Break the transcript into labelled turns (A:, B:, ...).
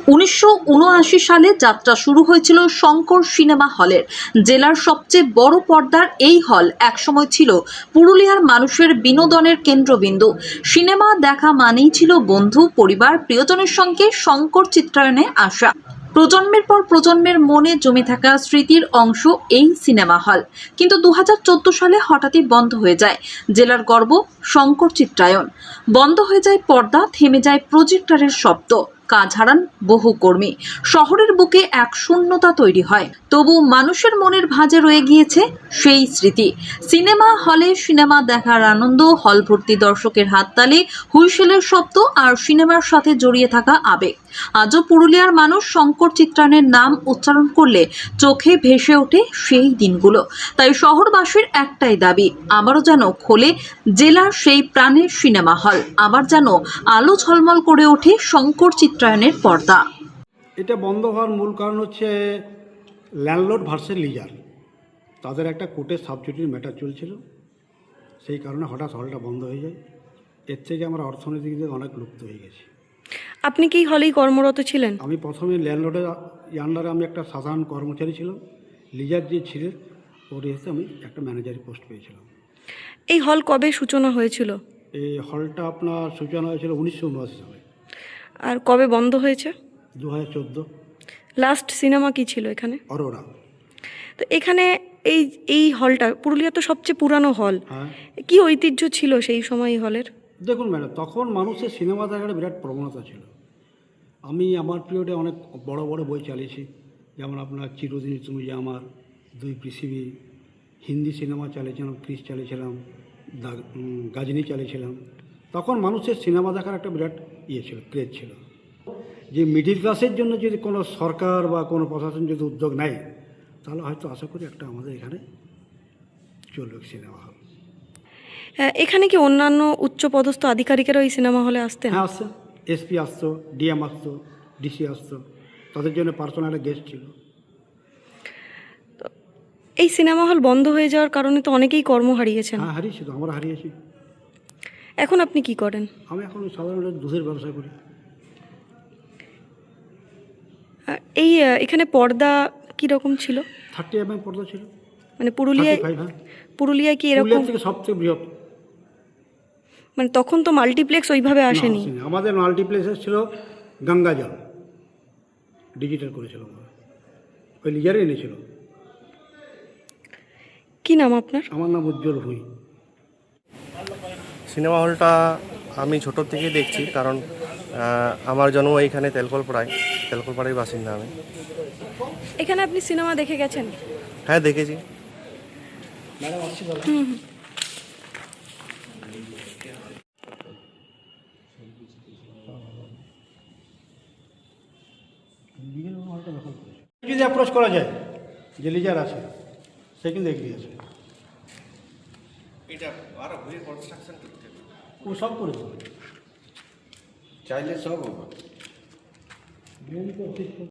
A: 1979 সালে যাত্রা শুরু হয়েছিল শঙ্কর সিনেমা হলের। জেলার সবচেয়ে বড় পর্দার এই হল একসময় ছিল পুরুলিয়ার মানুষের বিনোদনের কেন্দ্রবিন্দু। সিনেমা দেখা মানেই ছিল বন্ধু, পরিবার, প্রিয়জনের সঙ্গে শঙ্কর চিত্রায়নে আসা। প্রজন্মের পর প্রজন্মের মনে জমে থাকা স্মৃতির অংশ এই সিনেমা হল। কিন্তু 2014 সালে হঠাৎই বন্ধ হয়ে যায় জেলার গর্ব শঙ্কর চিত্রায়ন। বন্ধ হয়ে যায় পর্দা, থেমে যায় প্রজেক্টরের শব্দ, কাজ হারান বহু কর্মী। শহরের বুকে এক শূন্যতা তৈরি হয়। তবু মানুষের মনের ভাঁজে রয়ে গিয়েছে সেই স্মৃতি। সিনেমা হলে সিনেমা দেখার আনন্দ, হল ভর্তি দর্শকের হাততালি, হুইসেলের শব্দ আর সিনেমার সাথে জড়িয়ে থাকা আবেগ। আজও পুরুলিয়ার মানুষ শঙ্কর চিত্রায়নের নাম উচ্চারণ করলে চোখে ভেসে ওঠে সেই দিনগুলো। তাই শহরবাসীর একটাই দাবি, আবারও যেন খোলে জেলার সেই প্রাণের সিনেমা হল, আবার যেন আলো ঝলমল করে ওঠে শঙ্কর চিত্রায়নের পর্দা।
B: এটা বন্ধ হওয়ার মূল কারণ হচ্ছে ল্যান্ডলর্ড ভার্সেস লিজার। তাদের একটা কোর্টের সাবজুডিস ম্যাটার চলছিল, সেই কারণে হঠাৎ হলটা বন্ধ হয়ে যায়। এর থেকে আমরা অর্থনৈতিক দিকে অনেক লুপ্ত হয়ে গেছি।
C: আপনি কি হলেই কর্মরত ছিলেন?
B: আমি প্রথমে ল্যান্ডলর্ডের আন্ডারে আমি একটা সাধারণ কর্মচারী ছিলাম। লিজার যে ছিলেন ওর এসে আমি একটা ম্যানেজারি পোস্ট পেয়েছিলাম।
C: এই হল কবে সূচনা হয়েছিল?
B: এই হলটা আপনার সূচনা হয়েছিল 1979 সালে।
C: আর কবে বন্ধ হয়েছে?
B: 2014।
C: লাস্ট সিনেমা কি ছিল এখানে?
B: অরোরা।
C: তো এখানে এই হলটা পুরুলিয়া তো সবচেয়ে পুরানো হল।
B: হ্যাঁ,
C: কি ঐতিহ্য ছিল সেই সময় এই হলের?
B: দেখুন ম্যাডাম, তখন মানুষের সিনেমা দেখার বিরাট প্রবণতা ছিল। আমি আমার পিরিয়ডে অনেক বড় বড় বই চালিয়েছি, যেমন আপনার চিরদিন তুমি যে আমার, দুই পৃথিবী। হিন্দি সিনেমা চালিয়েছিলাম, ক্রিস চালিয়েছিলাম, গাজনি চালিয়েছিলাম। তখন মানুষের সিনেমা দেখার একটা বিরাট ছিল, ক্রেজ ছিল। যে মিডিল ক্লাসের জন্য যদি কোনো সরকার বা কোনো প্রশাসন যদি উদ্যোগ নেয়, তাহলে হয়তো আশা করি একটা আমাদের এখানে চলবে সিনেমা হল।
C: হ্যাঁ, এখানে কি অন্যান্য উচ্চপদস্থ আধিকারিকেরা ওই সিনেমা হলে আসতেন?
B: হ্যাঁ, আসছে। এসপি আসতো, ডিএম আসতো, ডিসি আসতো, তাদের জন্য পার্সোনাল গেস্ট ছিল।
C: এই সিনেমা হল বন্ধ হয়ে যাওয়ার কারণে তো অনেকেই কর্ম হারিয়েছেন।
B: হ্যাঁ, হারিয়েছি তো, আমরা হারিয়েছি।
C: এখন আপনি কি করেন?
B: আমি এখন সাধারণত দুধের ব্যবসা করি।
C: এখানে পর্দা কি রকম ছিল?
B: 30 mm পর্দা ছিল।
C: মানে পুরুলিয়ায়
B: 35, হ্যাঁ।
C: পুরুলিয়ায় কি এরকম?
B: পুরুলিয়া থেকে সবচেয়ে বৃহৎ।
C: মানে তখন তো মাল্টিপ্লেক্স ওইভাবে আসেনি।
B: না, আমাদের মাল্টিপ্লেক্সের ছিল গঙ্গাজল, ডিজিটাল করেছিল, ওই লিজারে এনেছিল।
C: কি নাম আপনার?
B: আমার নাম উজ্জ্বল ভুঁই।
D: সিনেমা হলটা আমি ছোটোর থেকেই দেখছি, কারণ আমার জন্ম এইখানে তেলকলপাড়ার বাসিন্দা আমি।
C: এখানে আপনি সিনেমা দেখে গেছেন?
D: হ্যাঁ, দেখেছি।
B: যদি অ্যাপ্রোচ করা যায়, যে লিজার আছে সে কিন্তু এগিয়ে আছে, ও সব করে দেবে,
D: চাইলে সব